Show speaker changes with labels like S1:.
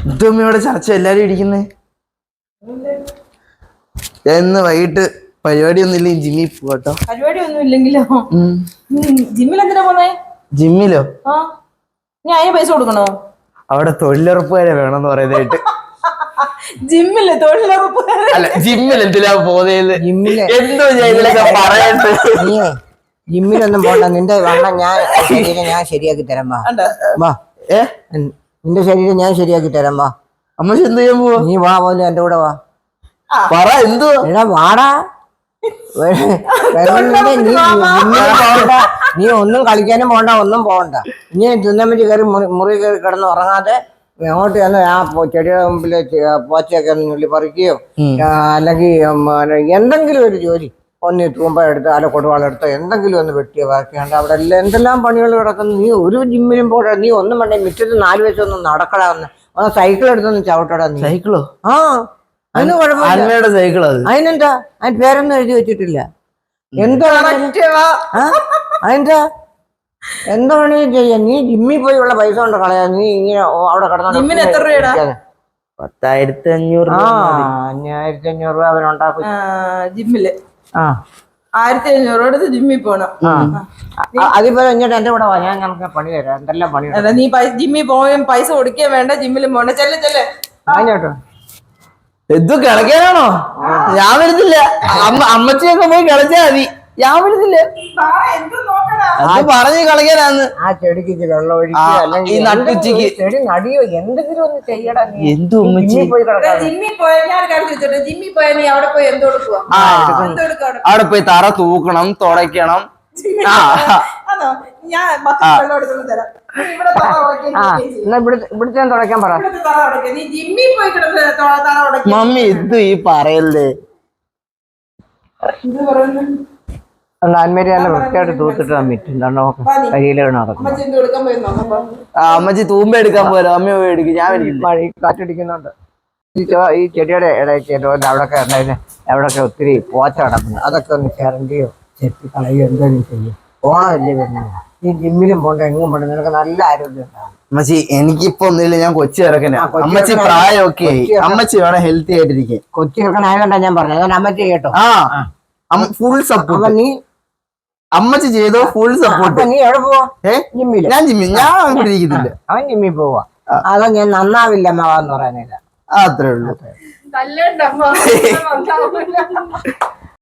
S1: ഇതും ഇവിടെ ചർച്ച എല്ലാരും ഇരിക്കുന്നേ. എന്ന് വൈകിട്ട് പരിപാടിയൊന്നും ഇല്ലെങ്കിൽ ജിമ്മിൽ പോട്ടോ.
S2: പരിപാടി ഒന്നും ഇല്ലെങ്കിലോ? ജിമ്മിൽ എന്തിനാ പോന്നേ?
S1: ജിമ്മിലോ?
S2: നീ അതിന് പൈസ കൊടുക്കണോ?
S1: അവിടെ തൊഴിലുറപ്പുകാരെ വേണമെന്ന് പറയുന്നതായിട്ട്.
S2: ജിമ്മില് തൊഴിലുറപ്പ്?
S1: അല്ല, ജിമ്മിൽ എന്തിനാ പോകുന്നത്? എന്തോ ഇതിലൊക്കെ പറയട്ടെ.
S3: ജിമ്മിലൊന്നും പോണ്ട. നിന്റെ വണ്ണം ഞാൻ ശരിയാക്കി തരാം. വാ, നിന്റെ ശരീരം ഞാൻ ശരിയാക്കി തരാം. വാ.
S1: അമ്മച്ചി എന്ത് ചെയ്യാൻ പോവാ?
S3: നീ വാ പോലെ എന്റെ കൂടെ വാ.
S1: പറ എന്തോ.
S3: എടാ വാടാ. നീ ഒന്നും കളിക്കാനും പോണ്ട, ഒന്നും പോകണ്ട. ഇനി തിന്നമ്മച്ചി കയറി മുറി കയറി കിടന്ന് ഉറങ്ങാതെ അങ്ങോട്ട് ചെന്ന് ആ ചെടിയുടെ മുമ്പില് പോച്ചയൊക്കെ ഒന്ന് നുള്ളി പറിക്കുകയോ അല്ലെങ്കിൽ എന്തെങ്കിലും ഒരു ജോലി ഒന്ന് തൂമ്പ എടുത്ത് അല്ല കൊടുവാളെടുത്തോ എന്തെങ്കിലും ഒന്ന് വെട്ടിയോ വാക്കിയാണ്ട് അവിടെ എല്ലാം എന്തെല്ലാം പണികൾ കിടക്കുന്നു. നീ ഒരു ജിമ്മിലും പോടാ. നീ ഒന്നും വേണ്ട. മുറ്റത്ത് 4 വയസ്സൊന്നും നടക്കടാ. ഒന്ന് സൈക്കിൾ എടുത്തൊന്ന് ചവിട്ടടാ. നീ
S1: സൈക്കിളോ?
S3: ആ, അതിന് കുഴപ്പമില്ല.
S1: സൈക്കിൾ അത്.
S3: അതിനെന്താ? അതിന് പേരൊന്നും എഴുതി വെച്ചിട്ടില്ല. എന്താ അതിന്റെ എന്താ വേണമെങ്കിലും ചെയ്യാം. നീ ജിമ്മിൽ പോയി ഉള്ള പൈസ കൊണ്ട് കളയാ. നീ ഇങ്ങനെ അവിടെ കിടന്നു.
S1: 10,500.
S3: 1500 രൂപ അവനുണ്ടാക്കും
S2: ജിമ്മില്. 1500 എടുത്ത് ജിമ്മിൽ പോണം.
S3: അതിപ്പോ ഇങ്ങോട്ട് എന്റെ കൂടെ വാ. ഞാൻ നമുക്ക് പണി തരാം. എന്തെല്ലാം പണി.
S2: നീ ജിമ്മിൽ പോയും പൈസ കൊടുക്കുകയും വേണ്ട, ജിമ്മിലും പോണ്ട. ചെല്ലേ
S3: അതിനോട്ടോ
S1: എന്തു കിളക്കാനാണോ? ഞാൻ വരുന്നില്ല. അമ്മച്ചിയൊക്കെ പോയി കിളച്ചാ മതി. ഞാൻ വരുന്നില്ല. അത് പറഞ്ഞ് കളിക്കാനാന്ന്.
S3: ആ ചെടിക്ക് വെള്ളം ഒഴിക്കുക, അല്ലെങ്കിൽ
S1: നട്ടുച്ചക്ക്
S3: ചെടി നടിയോ എന്തെങ്കിലും ഒന്ന് ചെയ്യടാ.
S1: എന്തു
S3: പോയി
S2: ജിമ്മിൽ പോയാൽ ഞാൻ കാണിച്ചിട്ട് ജിമ്മിൽ പോയാൽ നീ അവിടെ പോയി എന്തോ കൊടുക്കുക?
S1: അവിടെ പോയി തറ തൂക്കണം, തുടയ്ക്കണം.
S3: ഇവിടുത്തെ തുടയ്ക്കാൻ പറ.
S1: മമ്മി എന്തു ഈ പറയല്ലേ?
S3: അന്മേരി നല്ല വൃത്തിയായിട്ട് തൂത്തിട്ട് മിറ്റുണ്ടോ കരിയിലാണ് നടക്കുന്നത്.
S1: അമ്മച്ചി തൂമ്പ എടുക്കാൻ പോരാ. അമ്മ പോയി എടുക്കും. ഞാൻ
S3: കാറ്റടിക്കുന്നുണ്ട്. ഈ ചെടിയുടെ ഇടയ്ക്ക് അവിടെയൊക്കെ ഉണ്ടായിരുന്നു. അവിടെയൊക്കെ ഒത്തിരി പോച്ച കിടക്കുന്നു. അതൊക്കെ ഒന്ന് ചിരണ്ടിയോ ചെത്തി കളയോ എന്തെങ്കിലും ചെയ്യും. ഓണമല്ലേ വരുന്നത്. ഈ ജിമ്മിലും പോണ്ട, എങ്ങും പോണ്ട. നിനക്ക് നല്ല ആരോഗ്യം ഉണ്ടാവും.
S1: അമ്മച്ചി എനിക്കിപ്പോ ഒന്നുമില്ല. ഞാൻ കൊച്ചി ഇറക്കണ. അമ്മച്ചി പ്രായമൊക്കെ അമ്മച്ചി വേണം ഹെൽത്തി ആയിട്ടിരിക്കും.
S3: കൊച്ചി ഇറക്കണായതുകൊണ്ടാ ഞാൻ പറഞ്ഞത്. അതുകൊണ്ട് അമ്മച്ചി കേട്ടോ.
S1: Full support.
S3: നീ
S1: അമ്മച്ചി ചെയ്തോ ഫുൾ സപ്പോർട്ട്.
S3: നീ എവിടെ പോവാ? ജിമ്മില്.
S1: ഞാൻ ഇവിടെ ഇരിക്കുന്നില്ല.
S3: അവൻ ജിമ്മിൽ പോവാ. അതോ ഞാൻ നന്നാവില്ല അമ്മാവെന്ന് പറയാനില്ല.
S1: അത്രേ ഉള്ളൂ.